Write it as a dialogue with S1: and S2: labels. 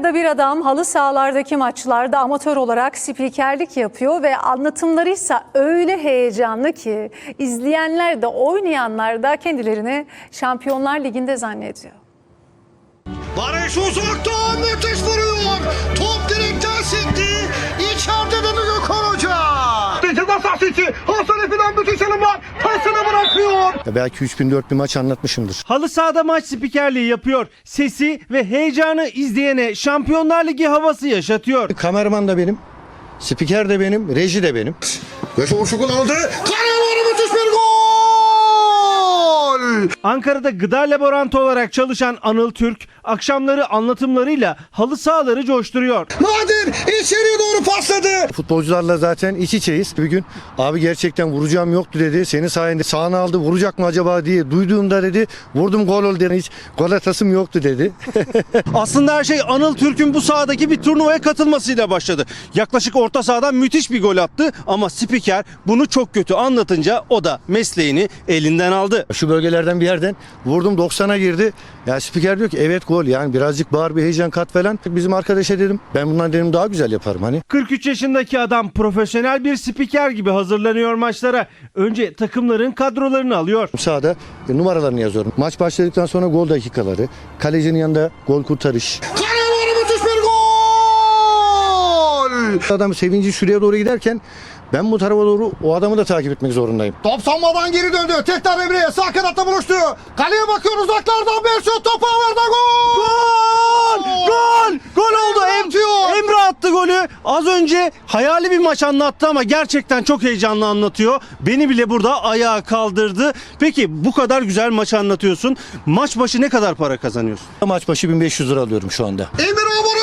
S1: Ankara'da bir adam halı sahalardaki maçlarda amatör olarak spikerlik yapıyor ve anlatımlarıysa öyle heyecanlı ki izleyenler de oynayanlar da kendilerini Şampiyonlar Ligi'nde zannediyor.
S2: Barış uzaktan müthiş vuruyor. Top direkten sekti. İçeride de Gökhan Hoca. Ceza sahası içi. Hasan Efe'den müthiş alım var. Pasını bırakıyor.
S3: Belki 3000-4000 maç anlatmışımdır.
S4: Halı sahada maç spikerliği yapıyor. Sesi ve heyecanı izleyene Şampiyonlar Ligi havası yaşatıyor.
S3: Kameraman da benim, spiker de benim, reji de benim.
S2: Köşe vuruşu kullanıldı. Karayolları müthiş bir gol.
S4: Ankara'da gıda laborantı olarak çalışan Anıl Türk akşamları anlatımlarıyla halı sahaları coşturuyor.
S2: Nadir içeriye doğru pasladı.
S3: Futbolcularla zaten iç içeyiz. Bir gün abi gerçekten vuracağım yoktu dedi. Senin sayende sağına aldı, vuracak mı acaba diye duyduğumda dedi vurdum gol oldu dedi. Hiç gol atasım yoktu dedi.
S4: Aslında her şey Anıl Türk'ün bu sahadaki bir turnuvaya katılmasıyla başladı. Yaklaşık orta sahadan müthiş bir gol attı ama spiker bunu çok kötü anlatınca o da mesleğini elinden aldı.
S3: Şu bölgelerden bir yerden vurdum 90'a girdi. Ya spiker diyor ki evet gol, yani birazcık bağır bir heyecan kat falan. Bizim arkadaşa dedim ben bundan dedim daha güzel yaparım hani.
S4: 43 yaşındaki adam profesyonel bir spiker gibi hazırlanıyor maçlara. Önce takımların kadrolarını alıyor.
S3: Sahada numaralarını yazıyorum. Maç başladıktan sonra gol dakikaları, kalecinin yanında gol kurtarış.
S2: Karayolları müthiş bir gol.
S3: Adam sevinci şuraya doğru giderken ben bu tarafa doğru o adamı da takip etmek zorundayım.
S2: Top sanmadan geri döndü. Tekrar Emre'ye sağ kanatta buluştu. Kaleye bakıyor uzaklardan bir şut. Topu havada gol.
S4: Gol! Gol oldu.
S2: Atıyor.
S4: Emre attı golü. Az önce hayali bir maç anlattı ama gerçekten çok heyecanlı anlatıyor. Beni bile burada ayağa kaldırdı. Peki bu kadar güzel maç anlatıyorsun. Maç başı ne kadar para kazanıyorsun?
S3: Maç başı 1500 lira alıyorum şu anda.
S2: Emre